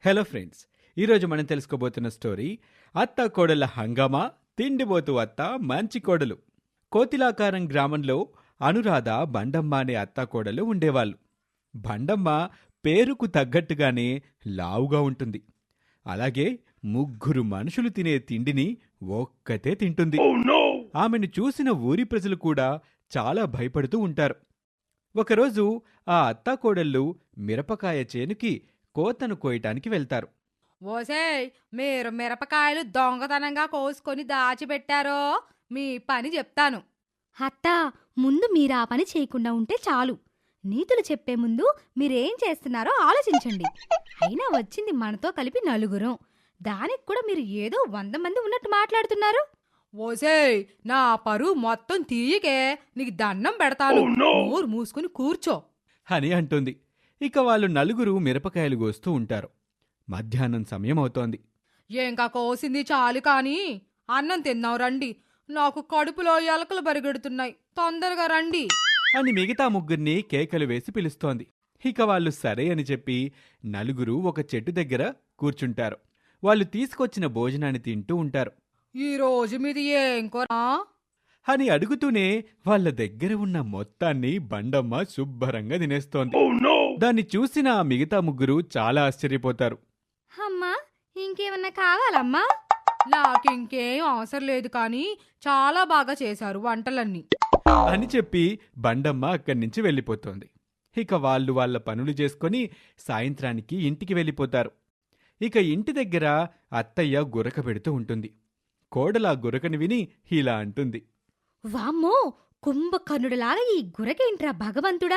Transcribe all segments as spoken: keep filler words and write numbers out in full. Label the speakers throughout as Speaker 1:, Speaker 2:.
Speaker 1: Hello friends, ఈరోజు మనం తెలుసుకోబోతున్న story అత్త కోడల హంగామా తిండిబోతు అత్త మంచి కోడలు. కోతిలాకారం గ్రామంలో అనురాధ, బండమ్మ అనే అత్త కోడలు ఉండేవాళ్ళు. బండమ్మ పేరుకు తగ్గట్టుగానే లావుగా ఉంటుంది. అలాగే ముగ్గురు మనుషులు తినే తిండిని ఒక్కతే తింటుంది. ఆమెను చూసిన ఊరి ప్రజలు కూడా చాలా భయపడుతూ ఉంటారు. ఒకరోజు ఆ అత్తాకోడళ్ళు మిరపకాయ చేనుకి కోతను కోయటానికి వెళ్తారు.
Speaker 2: ఓసేయ్, మీరు మిరపకాయలు దొంగతనంగా కోసుకొని దాచిపెట్టారో మీ పని చెప్తాను.
Speaker 3: అత్తా, ముందు మీరు ఆ పని చేయకుండా ఉంటే చాలు. నీతులు చెప్పే ముందు మీరేం చేస్తున్నారో ఆలోచించండి. అయినా వచ్చింది మనతో కలిపి నలుగురం. దానికి కూడా మీరు ఏదో వంద మంది ఉన్నట్టు మాట్లాడుతున్నారు.
Speaker 2: ఓసేయ్, నా పరువు మొత్తం తీయకే, నీకు దండం పెడతాను. నోరు మూసుకుని కూర్చో
Speaker 1: అని అంటుంది. ఇక వాళ్ళు నలుగురు మిరపకాయలు కోస్తూ ఉంటారు. మధ్యాహ్నం సమయం అవుతోంది.
Speaker 2: ఇంకా కోసింది చాలు కాని అన్నం తిన్నావు రండి. నాకు కడుపులో ఎలకలు బరిగెడుతున్నాయి, తొందరగా రండి
Speaker 1: అని మిగతా ముగ్గురిని కేకలు వేసి పిలుస్తోంది. ఇక వాళ్ళు సరే అని చెప్పి నలుగురు ఒక చెట్టు దగ్గర కూర్చుంటారు. వాళ్ళు తీసుకొచ్చిన భోజనాన్ని తింటూ ఉంటారు.
Speaker 2: ఈ రోజు మీది ఏం కూర
Speaker 1: అని అడుగుతూనే వాళ్ళ దగ్గర ఉన్న మొత్తాన్ని బండమ్మ శుభ్రంగా తినేస్తోంది. దాన్ని చూసిన ఆ మిగతా ముగ్గురు చాలా ఆశ్చర్యపోతారు.
Speaker 3: అమ్మా, ఇంకేమన్నా కావాలమ్మా?
Speaker 2: నాకింకేం అవసరం లేదు కానీ చాలా బాగా చేశారు వంటలన్నీ
Speaker 1: అని చెప్పి బండమ్మ అక్కడి నుంచి వెళ్ళిపోతోంది. ఇక వాళ్ళు వాళ్ళ పనులు చేసుకుని సాయంత్రానికి ఇంటికి వెళ్ళిపోతారు. ఇక ఇంటి దగ్గర అత్తయ్య గురక పెడుతూ ఉంటుంది. కోడలా గురకని విని ఇలా అంటుంది.
Speaker 3: వామ్మో, కుంభకర్ణుడిలాగా ఈ గురకేంట్రా భగవంతుడా!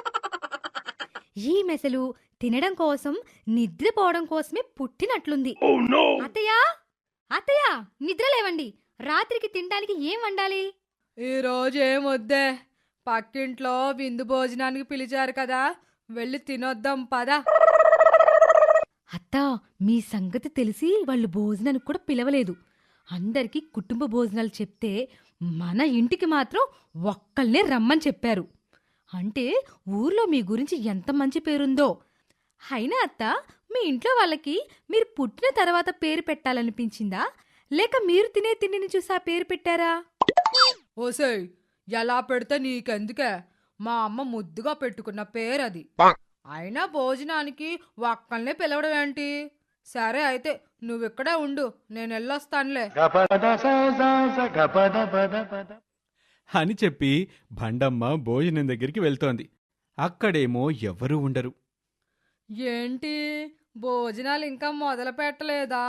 Speaker 3: ఈ మెసలు తినడం కోసం, నిద్రపోవడం కోసమే పుట్టినట్లుంది. అత్తయ్యా, అత్తయ్యా, నిద్రలేవండి. రాత్రికి తినడానికి ఏం వండాలి?
Speaker 2: ఈ రోజు ఏం వద్దే, పక్కింట్లో విందు భోజనానికి పిలిచారు కదా, వెళ్ళి తినొద్దాం పదా.
Speaker 3: అత్తా, మీ సంగతి తెలిసి వాళ్ళు భోజనానికి కూడా పిలవలేదు. అందరికీ కుటుంబ భోజనాలు చెప్తే మన ఇంటికి మాత్రం ఒక్కల్నే రమ్మని చెప్పారు. అంటే ఊర్లో మీ గురించి ఎంత మంచి పేరుందో. అయినా అత్త, మీ ఇంట్లో వాళ్ళకి మీరు పుట్టిన తర్వాత పేరు పెట్టాలనిపించిందా, లేక మీరు తినే తిండిని చూసి ఆ పేరు పెట్టారా?
Speaker 2: ఓసేయ్, ఎలా పెడితే నీకెందుకే, మా అమ్మ ముద్దుగా పెట్టుకున్న పేరది. అయినా భోజనానికి ఒక్కల్నే పిలవడం ఏంటి? సరే అయితే నువ్విక్కడే ఉండు, నేను వెళ్ళొస్తానులే
Speaker 1: అని చెప్పి బండమ్మ భోజనం దగ్గరికి వెళ్తోంది. అక్కడేమో ఎవ్వరూ ఉండరు.
Speaker 2: ఏంటి, భోజనాలు ఇంకా మొదలు పెట్టలేదా?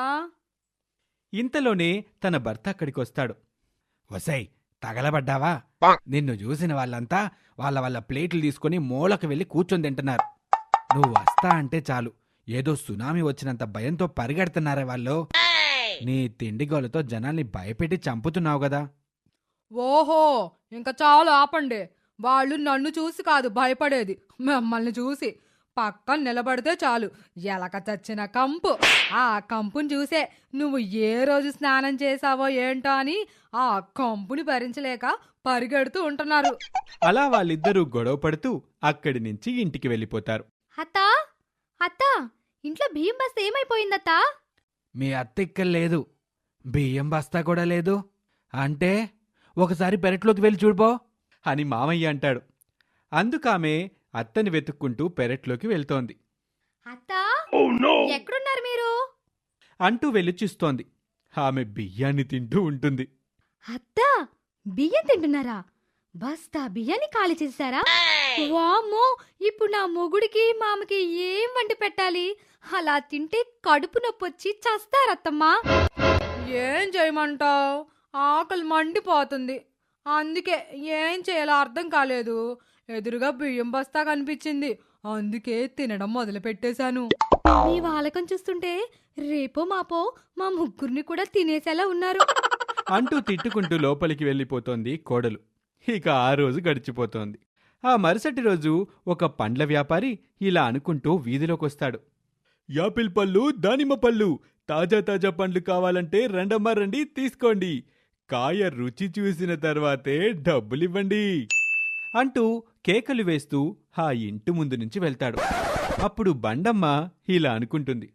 Speaker 1: ఇంతలోనే తన భర్త అక్కడికొస్తాడు. వసై, తగలబడ్డావా? నిన్ను చూసిన వాళ్ళంతా వాళ్ళ వాళ్ళ ప్లేట్లు తీసుకుని మూలకు వెళ్ళి కూర్చొని తింటున్నారు. నువ్వు వస్తా అంటే చాలు, ఏదో సునామీ వచ్చినంత భయంతో పరిగెడుతున్నారే వాళ్ళు. నీ తిండిగోలతో జనాల్ని భయపెట్టి చంపుతున్నావు గదా.
Speaker 2: ఓహో, ఇంకా చాలు ఆపండి. వాళ్ళు నన్ను చూసి కాదు భయపడేది, మిమ్మల్ని చూసి. పక్కన నిలబడితే చాలు, ఎలక చచ్చిన కంపు. ఆ కంపుని చూసే నువ్వు ఏ రోజు స్నానం చేశావో ఏంటో అని ఆ కంపుని భరించలేక పరిగెడుతూ ఉంటున్నారు.
Speaker 1: అలా వాళ్ళిద్దరూ గొడవ పడుతూ అక్కడి నుంచి ఇంటికి వెళ్ళిపోతారు.
Speaker 3: అత్తా, అత్తా, ఇంట్లో బియ్యం బస్తా ఏమైపోయిందత్తా?
Speaker 1: మీ అత్త ఇక్కడ లేదు, బియ్యం బస్తా కూడా లేదు అంటే ఒకసారి పెరట్లోకి వెళ్ళి చూడుపో అని మామయ్య అంటాడు. అందుకామె అత్తని వెతుక్కుంటూ పెరట్లోకి వెళ్తోంది.
Speaker 3: అత్తా, ఎక్కడున్నారు మీరు?
Speaker 1: అంటూ వెళ్ళి చూస్తోంది. ఆమె బియ్యాన్ని తింటూ ఉంటుంది.
Speaker 3: అత్తా, బియ్యం తింటున్నారా? బస్తా బియ్యాన్ని ఖాళీ చేశారా? వామ్మో, ఇప్పుడు నా మొగుడికి మామకి ఏం వండి పెట్టాలి? అలా తింటే కడుపు నొప్పొచ్చి చస్తారత్తమ్మా.
Speaker 2: ఏం చేయమంటావు, ఆకలి మండిపోతుంది. అందుకే ఏం చేయాలో అర్థం కాలేదు. ఎదురుగా బియ్యం బస్తా కనిపించింది, అందుకే తినడం మొదలు పెట్టేశాను.
Speaker 3: మీ వాలకం చూస్తుంటే రేపో మాపో మా ముగ్గురిని కూడా తినేసేలా ఉన్నారు
Speaker 1: అంటూ తిట్టుకుంటూ లోపలికి వెళ్ళిపోతోంది కోడలు. ఇక ఆ రోజు గడిచిపోతోంది. ఆ మరుసటి రోజు ఒక పండ్ల వ్యాపారి ఇలా అనుకుంటూ వీధిలోకొస్తాడు. యాపిల్ పళ్ళు, దానిమ్మ పళ్ళు, తాజా తాజా పండ్లు కావాలంటే రండమ్మా రండి, తీసుకోండి. కాయ రుచి చూసిన తర్వాతే డబ్బులివ్వండి అంటూ కేకలు వేస్తూ ఆ ఇంటి ముందు నుంచి వెళ్తాడు. అప్పుడు బండమ్మ ఇలా అనుకుంటుంది.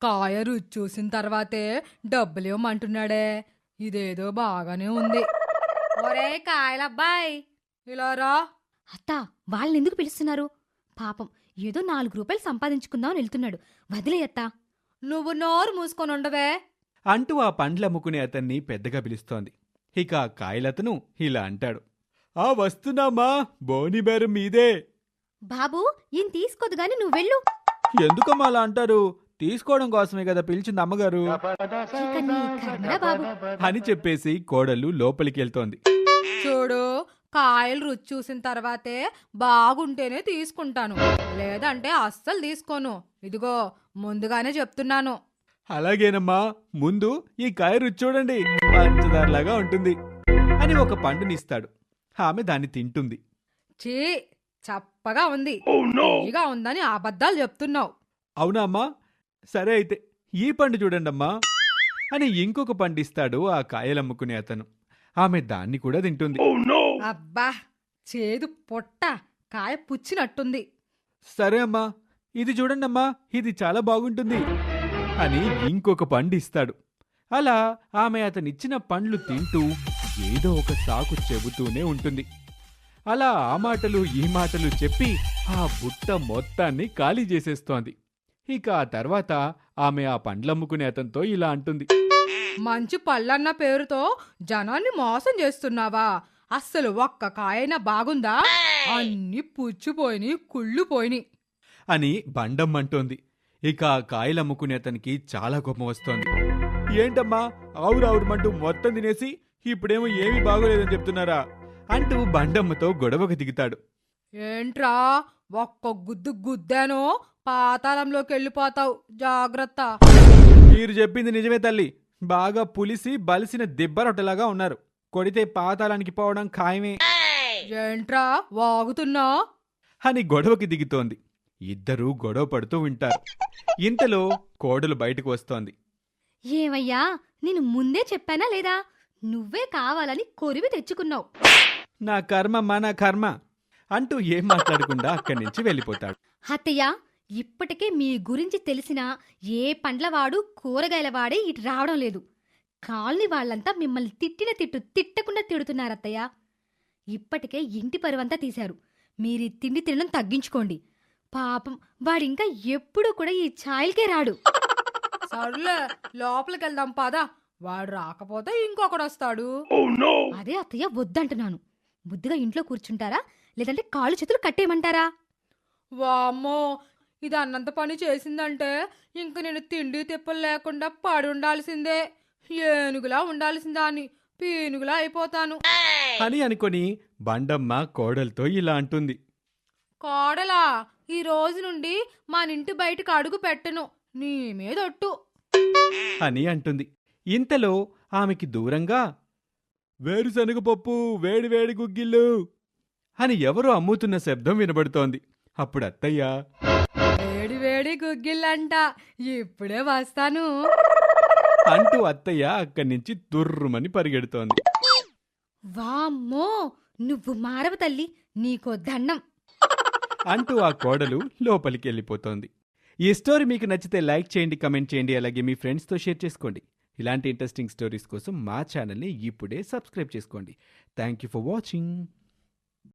Speaker 2: కాయ రుచి చూసిన తర్వాతే డబ్బులేమంటున్నాడే. ఇదేదో బాగానే ఉంది. ఒరే కాయలబ్బాయ్, ఇలా రా.
Speaker 3: అత్త, వాళ్ళని ఎందుకు పిలుస్తున్నారు? పాపం ఏదో నాలుగు రూపాయలు సంపాదించుకుందామని వెళ్తున్నాడు. వదిలే అత్తా.
Speaker 2: నువ్వు నోరు మూసుకొని ఉండవే.
Speaker 1: అంటూ ఆ పండ్లమ్ముకునే అతన్ని పెద్దగా పిలుస్తోంది. ఇక ఆ కాయలతను ఇలా అంటాడు. ఆ వస్తున్నామా, బోనిబేరం మీదే.
Speaker 3: బాబు, ఈయన తీసుకోదు గాని నువ్వు వెళ్ళు.
Speaker 1: ఎందుకమ్మా అలా అంటారు? తీసుకోవడం కోసమే కదా పిలిచింది అమ్మగారు
Speaker 3: ఇక నీ కర్మరా బాబు.
Speaker 1: అని చెప్పేసి కోడలు లోపలికి వెళ్తోంది.
Speaker 2: చూడు, కాయలు రుచి చూసిన తర్వాతే బాగుంటేనే తీసుకుంటాను, లేదంటే అస్సలు తీసుకోను. ఇదిగో ముందుగానే చెప్తున్నాను.
Speaker 1: అలాగేనమ్మా, ముందు ఈ కాయ రుచి చూడండి, పంచదారలాగా ఉంటుంది అని ఒక పండునిస్తాడు. ఆమె దాన్ని తింటుంది.
Speaker 2: చీ, చప్పగా ఉంది, ఇగా ఉందని అబద్ధాలు చెప్తున్నావు.
Speaker 1: అవునా అమ్మా? సరే అయితే ఈ పండు చూడండమ్మా అని ఇంకొక పండిస్తాడు ఆ కాయలమ్ముకునే అతను. ఆమె దాన్ని కూడా తింటుంది.
Speaker 2: అబ్బా, చేదు పొట్ట, కాయ పుచ్చినట్టుంది.
Speaker 1: సరే అమ్మా, ఇది చూడండమ్మా, ఇది చాలా బాగుంటుంది అని ఇంకొక పండు ఇస్తాడు. అలా ఆమె అతనిచ్చిన పండ్లు తింటూ ఏదో ఒక సాకు చెబుతూనే ఉంటుంది. అలా ఆ మాటలు ఈ మాటలు చెప్పి ఆ బుట్ట మొత్తాన్ని ఖాళీ చేసేస్తోంది. ఇక ఆ తర్వాత ఆమె ఆ పండ్లమ్ముకునే అతనితో ఇలా అంటుంది.
Speaker 2: మంచి పళ్ళన్న పేరుతో జనాన్ని మోసం చేస్తున్నావా? అస్సలు ఒక్క కాయైనా బాగుందా? అన్ని పుచ్చిపోయిని, కుళ్ళిపోయిని
Speaker 1: అని బండమ్మంటోంది. ఇక ఆ కాయలమ్ముకునే అతనికి చాలా కోపం వస్తోంది. ఏంటమ్మా, ఆవురావురమంటూ మొత్తం తినేసి ఇప్పుడేమో ఏమీ బాగోలేదని చెప్తున్నారా అంటూ బండమ్మతో గొడవకు దిగుతాడు.
Speaker 2: ఏంట్రా, ఒక్క గుద్దు గుద్దానో పాతాళంలోకి వెళ్ళిపోతావు, జాగ్రత్త.
Speaker 1: మీరు చెప్పింది నిజమే తల్లి, బాగా పులిసి బలిసిన దిబ్బరొట్టలాగా ఉన్నారు. కొడితే పాతాళానికి పోవడం ఖాయమే.
Speaker 2: ఏంట్రా వాగుతున్నా
Speaker 1: అని గొడవకి దిగుతోంది. ఇద్దరూ గొడవ పడుతూ వింటారు. ఇంతలో కోడలు బయటకు వస్తోంది.
Speaker 3: ఏమయ్యా, నేను ముందే చెప్పానా లేదా? నువ్వే కావాలని కొరివి తెచ్చుకున్నావు.
Speaker 1: నా కర్మమ్మా, నా కర్మ అంటూ ఏం మాట్లాడకుండా అక్కడి నుంచి వెళ్ళిపోతాడు.
Speaker 3: అత్తయ్య, ఇప్పటికే మీ గురించి తెలిసిన ఏ పండ్లవాడు కూరగాయలవాడే ఇటు రావడం లేదు. కాలనీ వాళ్ళంతా మిమ్మల్ని తిట్టిన తిట్టు తిట్టకుండా తిడుతున్నారత్తయ్య. ఇప్పటికే ఇంటి పరువంతా తీశారు. మీరు ఈ తిండి తినడం తగ్గించుకోండి. పాపం వాడింకా ఎప్పుడూ కూడా ఈ ఛాయలకే రాడు.
Speaker 2: సర్లే, లోపలికి వెళ్దాం పదా. వాడు రాకపోతే ఇంకొకడు వస్తాడు.
Speaker 3: అదే అత్తయ్య వద్దంటున్నాను. బుద్ధిగా ఇంట్లో కూర్చుంటారా, లేదంటే కాళ్ళు చేతులు కట్టేయమంటారా?
Speaker 2: వామ్మో, ఇది అన్నంత పని చేసిందంటే ఇంక నేను తిండి తిప్పలు లేకుండా పడి ఉండాల్సిందే. ఏనుగులా ఉండాల్సిందా అని పీనుగులా అయిపోతాను
Speaker 1: అని అనుకొని బండమ్మ కోడలతో ఇలా అంటుంది.
Speaker 2: కోడలా, ఈ రోజు నుండి మన ఇంటి బయటకు అడుగు పెట్టను, నీ మీదొట్టు
Speaker 1: అని అంటుంది. ఇంతలో ఆమెకి దూరంగా వేరుశనగ పప్పు, వేడి వేడి గుగ్గిళ్ళు అని ఎవరో అమ్ముతున్న శబ్దం వినబడుతోంది. అప్పుడు అత్తయ్య,
Speaker 2: వేడి వేడి గుగ్గిళ్ళంట, ఇప్పుడే వస్తాను
Speaker 1: అంటూ అత్తయ్య అక్కడి నుంచి తుర్రుమని పరిగెడుతోంది.
Speaker 3: వామ్మో, నువ్వు మారవ తల్లి, నీకో దండం
Speaker 1: అంటూ ఆ కోడలు లోపలికి వెళ్ళిపోతోంది. ఈ స్టోరీ మీకు నచ్చితే లైక్ చేయండి, కమెంట్ చేయండి, అలాగే మీ ఫ్రెండ్స్తో షేర్ చేసుకోండి. ఇలాంటి ఇంట్రెస్టింగ్ స్టోరీస్ కోసం మా ఛానల్ని ఇప్పుడే సబ్స్క్రైబ్ చేసుకోండి. Thank you for watching.